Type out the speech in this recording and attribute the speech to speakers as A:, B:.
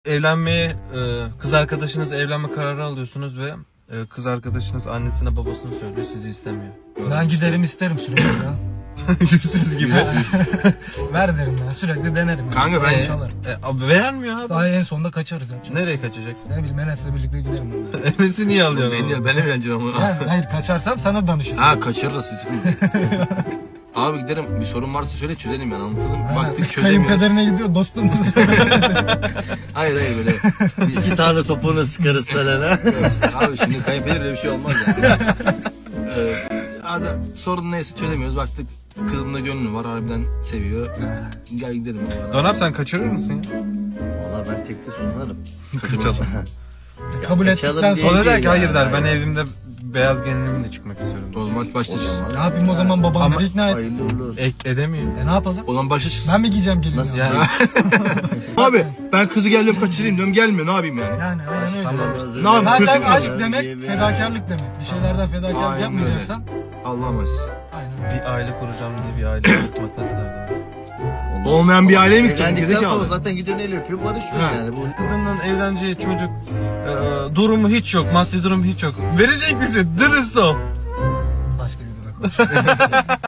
A: Evlenmeye, kız arkadaşınız evlenme kararı alıyorsunuz ve kız arkadaşınız annesine babasına söylüyor, sizi istemiyor.
B: Ben giderim isterim sürekli ya.
A: Yüzsüz gibi.
B: Ver derim ya, sürekli denerim. Yani.
C: Kanka ben-
B: Çalarım.
A: Abi vermiyor abi.
B: Daha en sonunda kaçarız ya.
A: Nereye kaçacaksın?
B: Ne bileyim Enes'le birlikte giderim.
A: Enes'i niye alıyorsun?
C: Ben evleneceğim ama.
B: Yani, hayır kaçarsam sana danışırım.
C: Ha kaçırırız hiç. Abi giderim, bir sorun varsa söyle çözelim yani, anlatalım. Baktık çözemiyoruz.
B: Kayınpederine gidiyor dostum.
C: Hayır böyle.
D: 2 tane topuğunu sıkarız falan ha.
C: Abi şimdi kayınpeder öyle bir şey olmaz yani. Sorun neyse çözemiyoruz, baktık kızın da gönlü var, harbiden seviyor. Gel gidelim.
A: Donap sen kaçırır mısın ya?
D: Valla ben tekte sunarım.
A: Kaçalım.
B: Kabul ettikten
D: diye
A: O
B: sonra
A: da der ki hayır der, ben
D: Aynen.
A: evimde beyaz gelinimle çıkmak istiyorum.
C: O zaman başta çıksın.
B: ne yapayım o zaman babamları ikna et.
D: Hayırlı uğurlu olsun.
A: Edemiyor.
B: Ne yapalım?
C: O zaman başta çıksın.
B: Ben mi giyeceğim gelin?
D: Nasıl
A: Yani
C: Abi ben kızı geldim kaçırayım diyorum, gelmiyor, ne yapayım yani?
B: Yani aynen öyle.
A: tamam.
C: Ne yapayım?
B: Zaten
C: Kötü
B: aşk
D: kız.
B: demek
D: Diye bir-
B: fedakarlık demek. Bir şeylerden fedakarlık
C: Aynen
B: yapmayacaksan.
C: Allah'ım aziz.
B: Aynen.
A: bir aile kuracağım diye bir aile kurmak ne kadar doğru.
C: Olmayan bir aileye mi gideceksin?
D: Evlendikten sonra
C: Gerizekalı.
D: zaten gidiyor el öpüyor barışıyor
C: Ha.
D: yani. Bu
A: Kızının evleneceği çocuk durumu hiç yok, maddi durumu hiç yok. Verecek misin? Dürüst ol.
B: Başka bir konuşalım.